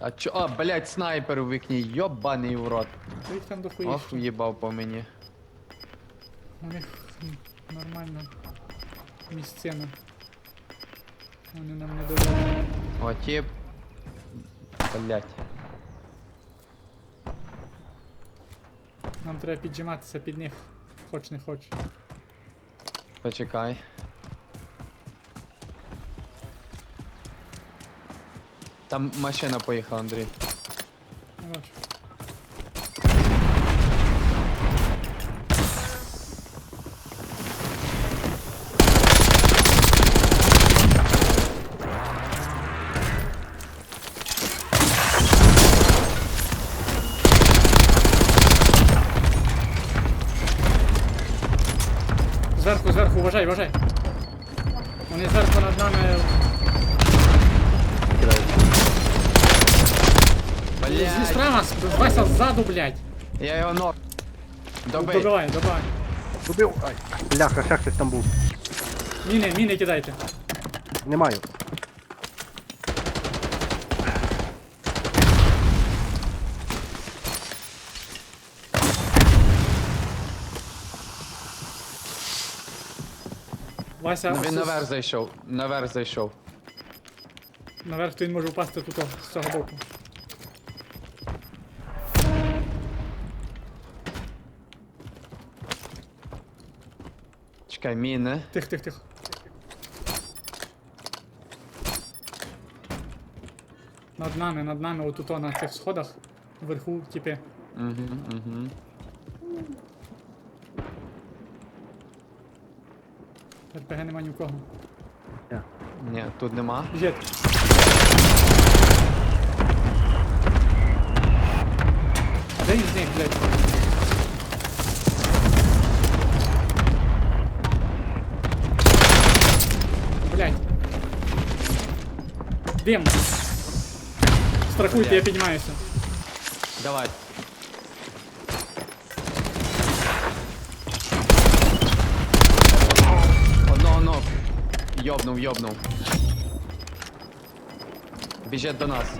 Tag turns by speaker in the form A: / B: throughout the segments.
A: А чо? А, блядь, снайпер у вікні, йобаний в рот.
B: Та їх там дохуїш.
A: Ох, їбав по мені.
B: У них нормально місцина. Вони нам не дають.
A: О, тіп. Блядь.
B: Нам треба піджиматися під них. Хоч не хоч.
A: Почекай. Там машина поїхала, Андрій.
B: Не бачу. Зверху, зверху, вважай, вважай. Вони зверху над нами. Зі
A: Блядь.
B: справа, Вася ззаду, блядь.
A: Я його ног. Добий.
B: Добивай, добивай.
C: Убив. Ай, бляха, ще хтось там був.
B: Міни кидайте.
C: Не маю.
B: Вася,
A: Ну, він наверх зайшов. Наверх зайшов.
B: наверх то він може впасти тут, з цього боку.
A: Чекай, міни.
B: Тихо, тихо, тихо. Над нами, отут на цих сходах, вверху, типи.
A: Угу.
B: РПГ нема ні в кого.
A: Ні, тут нема.
B: Біжить. Де він з них, блядь? Блядь. Дим. Страхуйте, я піднімаюся.
A: Давай. Одного. Йобнув. Біжить до нас.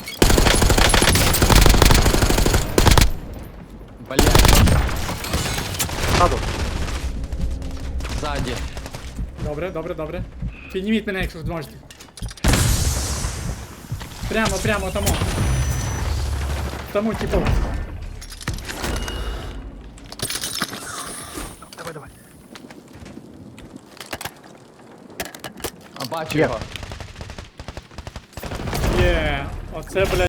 A: Блядь,
C: Саду.
A: ззаді.
B: Добре. Підніміть мене, якщо зможете. Прямо, тому. Тому, типу.
C: Давай.
A: А бачу
C: Є.
A: його.
B: Є, оце, блядь.